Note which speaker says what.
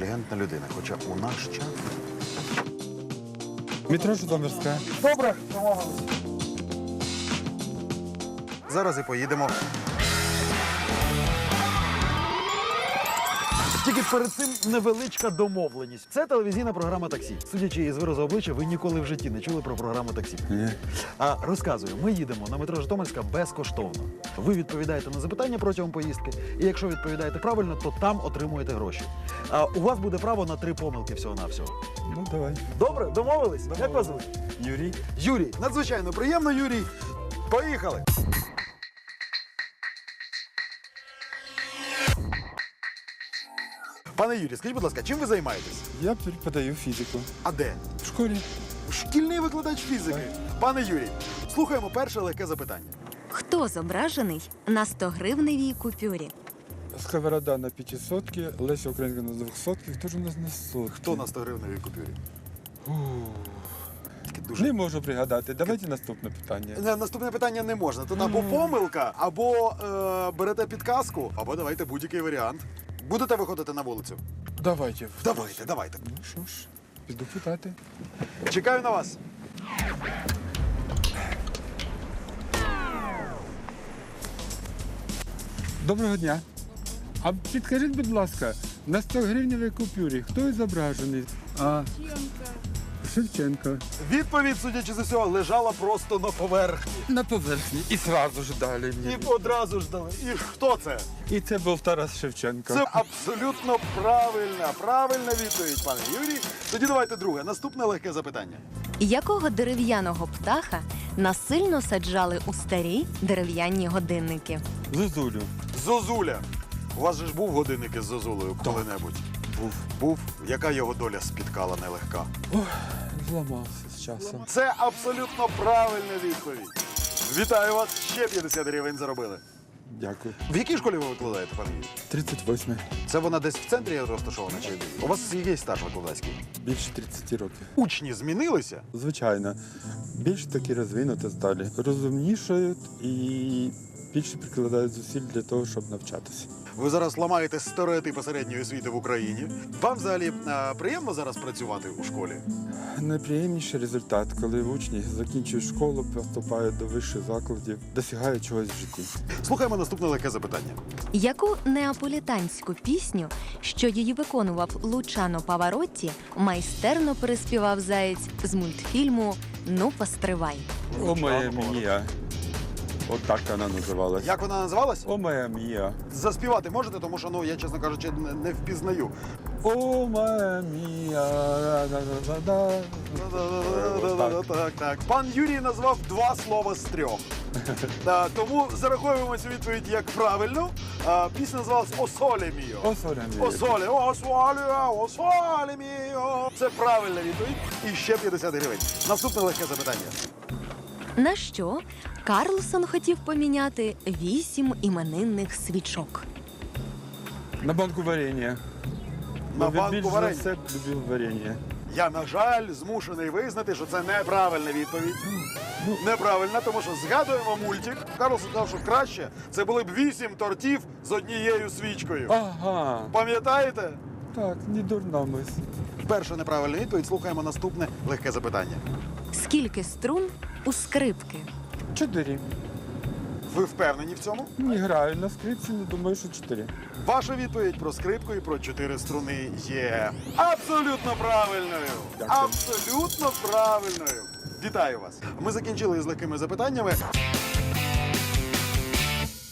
Speaker 1: інтелігентна людина. Хоча у наш час...
Speaker 2: Метро Житомирська.
Speaker 1: Добре, домовились. Зараз і поїдемо. Тільки перед цим невеличка домовленість. Це телевізійна програма «Таксі». Судячи із виразу обличчя, ви ніколи в житті не чули про програму «Таксі».
Speaker 2: Ні.
Speaker 1: Розказую, ми їдемо на метро Житомирська безкоштовно. Ви відповідаєте на запитання протягом поїздки, і якщо відповідаєте правильно, то там отримуєте гроші. У вас буде право на 3 помилки всього-навсього.
Speaker 2: Ну, давай.
Speaker 1: Добре, домовились? Як вас звуть?
Speaker 2: Юрій.
Speaker 1: Юрій. Надзвичайно приємно, Юрій. Поїхали! Пане Юрій, скажіть, будь ласка, чим ви займаєтесь?
Speaker 2: Я преподаю фізику.
Speaker 1: А де?
Speaker 2: В школі.
Speaker 1: Шкільний викладач фізики. Пане Юрій, слухаємо перше легке запитання.
Speaker 3: Хто зображений на 100-гривневій купюрі?
Speaker 2: Сковорода на 500-ки, Леся Українка на 200-ки. Хто ж у нас на 100-ки?
Speaker 1: Хто на 100-гривневій купюрі? Тільки
Speaker 2: Не
Speaker 1: дуже...
Speaker 2: можу пригадати. Давайте наступне питання.
Speaker 1: Наступне питання не можна. Тут або помилка, або берете підказку, або давайте будь-який варіант. Будете виходити на вулицю?
Speaker 2: Давайте.
Speaker 1: Давайте.
Speaker 2: Ну що ж, піду питати.
Speaker 1: Чекаю на вас.
Speaker 2: Доброго дня. А підкажіть, будь ласка, на 100-гривневій купюрі хто зображений? Шевченко.
Speaker 1: Відповідь, судячи з усього, лежала просто на поверхні.
Speaker 2: На поверхні. І одразу ж дали
Speaker 1: І
Speaker 2: мені.
Speaker 1: одразу ж дали. І хто це?
Speaker 2: І це був Тарас Шевченко.
Speaker 1: Це абсолютно правильна відповідь, пане Юрій. Тоді давайте друге. Наступне легке запитання.
Speaker 3: Якого дерев'яного птаха насильно саджали у старі дерев'яні годинники?
Speaker 2: Зозулю.
Speaker 1: Зозуля. У вас же ж був годинник із Зозулею коли-небудь? Був. Яка його доля спіткала нелегка?
Speaker 2: Зламався з часом.
Speaker 1: Це абсолютно правильна відповідь. Вітаю вас. Ще 50 гривень заробили.
Speaker 2: Дякую.
Speaker 1: В якій школі ви викладаєте, пане Юрій?
Speaker 2: 38.
Speaker 1: Це вона десь в центрі розташована чи у вас який стаж викладацький?
Speaker 2: Більше 30 років.
Speaker 1: Учні змінилися?
Speaker 2: Звичайно. Більш такі розвинуті стали. Розумнішають і більше прикладають зусиль для того, щоб навчатися.
Speaker 1: Ви зараз ламаєте стереотипи середньої освіти в Україні. Вам взагалі приємно зараз працювати у школі?
Speaker 2: Найприємніший результат, коли учні закінчують школу, поступають до вищих закладів, досягають чогось в житті.
Speaker 1: Слухаємо наступне легке запитання.
Speaker 3: Яку неаполітанську пісню, що її виконував Лучано Паваротті, майстерно переспівав заєць з мультфільму «Ну, постривай».
Speaker 2: О, моя мія. От так вона називалась.
Speaker 1: Як вона називалась?
Speaker 2: О, моя мія.
Speaker 1: Заспівати можете, тому що, я, чесно кажучи, не впізнаю.
Speaker 2: О, моя мія.
Speaker 1: Так. Пан Юрій назвав 2 слова з 3. Тому зараховуємо цю відповідь як правильну. Пісня називалась «О соле міо».
Speaker 2: О, соля мія.
Speaker 1: «О соле, о соле міо». Це правильна відповідь. І ще 50 гривень. Наступне легке запитання.
Speaker 3: На що Карлсон хотів поміняти 8 іменинних свічок?
Speaker 2: На банку варення.
Speaker 1: На
Speaker 2: Він
Speaker 1: банку
Speaker 2: більш за
Speaker 1: варення.
Speaker 2: все любив варення.
Speaker 1: Я, на жаль, змушений визнати, що це неправильна відповідь. Неправильна, тому що згадуємо мультик. Карлсон сказав, що краще це були б 8 тортів з однією свічкою.
Speaker 2: Ага.
Speaker 1: Пам'ятаєте?
Speaker 2: Так, не дурна мисль.
Speaker 1: Перша неправильна відповідь. Слухаємо наступне легке запитання.
Speaker 3: Скільки струн у скрипки?
Speaker 2: 4.
Speaker 1: Ви впевнені в цьому?
Speaker 2: Не граю на скрипці, не думаю, що 4.
Speaker 1: Ваша відповідь про скрипку і про 4 струни є абсолютно правильною.
Speaker 2: Дякую.
Speaker 1: Абсолютно правильною. Вітаю вас. Ми закінчили з легкими запитаннями.